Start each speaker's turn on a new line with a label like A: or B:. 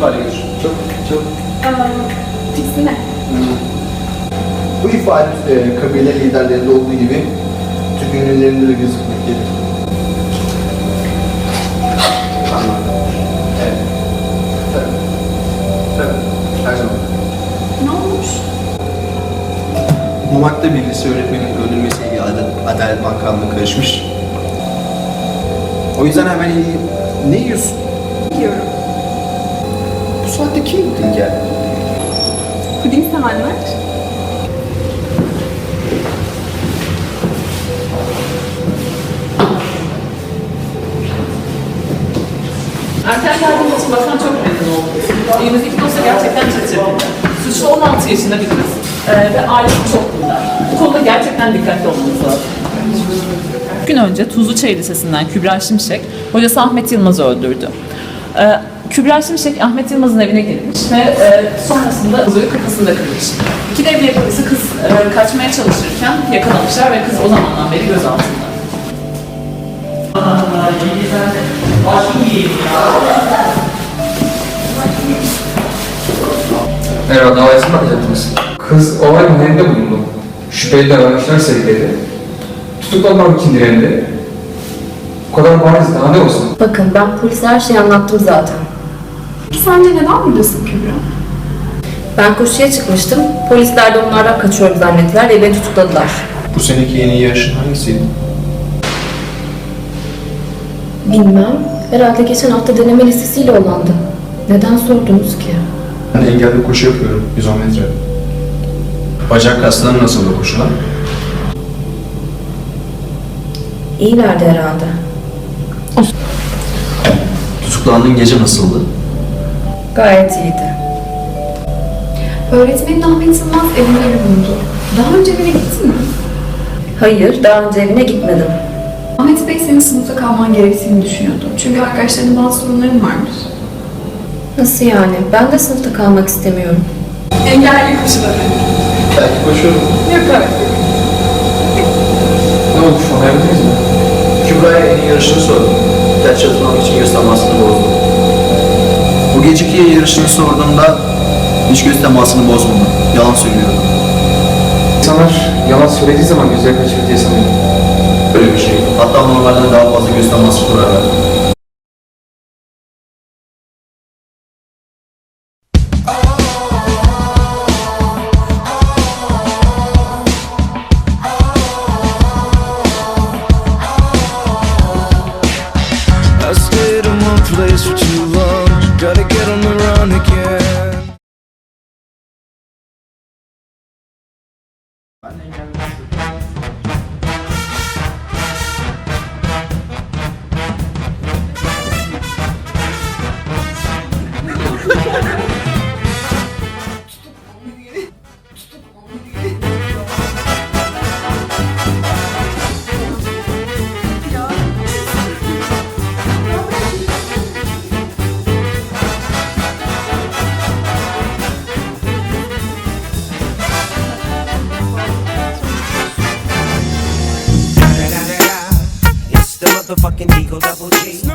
A: ifade gelir. Çok, çok.
B: Tiksine.
C: Bu ifade kabile liderlerinde olduğu gibi Türk ünlülerinde de gözükmektedir. Evet. Tabii. Her zaman.
B: Ne olmuş?
C: Mamak'ta bir lise öğretmenin öldürülmesiyle ilgili Adalet Bakanlığı karışmış. O yüzden hemen ne yiyorsun?
B: Yiyorum.
C: Bu saatte kim gittin gel?
B: Puding sevenler.
D: Erken geldiğim için bakan çok memnun oldum. Elimizdeki dosya gerçekten çetrefilli. Suçlu 16 yaşında bir kız ve ailesi çok dindar. Bu konuda gerçekten dikkatli olmamız lazım. Gün önce Tuzluçay Lisesi'nden Kübra Şimşek, hocası Ahmet Yılmaz'ı öldürdü. Kübra Şimşek Ahmet Yılmaz'ın evine girmiş ve sonrasında kızı kafasında kırmış. İki devlet polisi kız kaçmaya çalışırken yakalamışlar ve kız o zamandan beri gözaltında.
A: Merhaba, davayı mı alacaktınız? Kız olay mahallinde bulundu. Şüpheli davranışlar sergiledi. Tutuklanmak için direndi. Bu kadar bariz, daha ne olsun?
E: Bakın ben polise her şeyi anlattım zaten.
B: Peki sence neden buradasın Kübra?
E: Ben koşuya çıkmıştım. Polisler de onlardan kaçıyorum zannettiler ve beni tutukladılar.
C: Bu seneki yeni yarışın hangisiydi?
E: Bilmem. Herhalde geçen hafta deneme listesiyle olandı. Neden sordunuz ki?
C: Ben engelli koşu yapıyorum, 110 metre. Bacak kasları nasıl da koşular?
E: İyilerdi herhalde.
C: Tutuklandığın gece nasıldı?
E: Gayet iyiydi.
B: Öğretmenin Ahmet Yılmaz evinde bulundu. Daha önce evine gittin mi?
E: Hayır, daha önce evine gitmedim.
B: Ahmet Bey senin sınıfta kalman gerektiğini düşünüyordu. Çünkü arkadaşlarının bazı sorunların varmış.
E: Nasıl yani? Ben de sınıfta kalmak istemiyorum.
B: Engelli koşuları.
C: Belki koşuyorum.
B: Yok evet.
A: Ne olmuş, anlayabildiniz mi?
C: Kübra'ya en iyi yarışını sordum. Ders çalışmam için göz temasını bozdu. Bu geceki yarışını sorduğumda hiç göz temasını bozmadı. Yalan söylüyordu.
A: İnsanlar yalan söylediği zaman gözleri kaçırır diye sanıyorum.
C: Böyle bir şey. Hatta normalden daha fazla göz teması kurarlar.
F: I stayed in one place for too long. Gotta get on the run again.
G: It's the motherfucking Eagle Double G.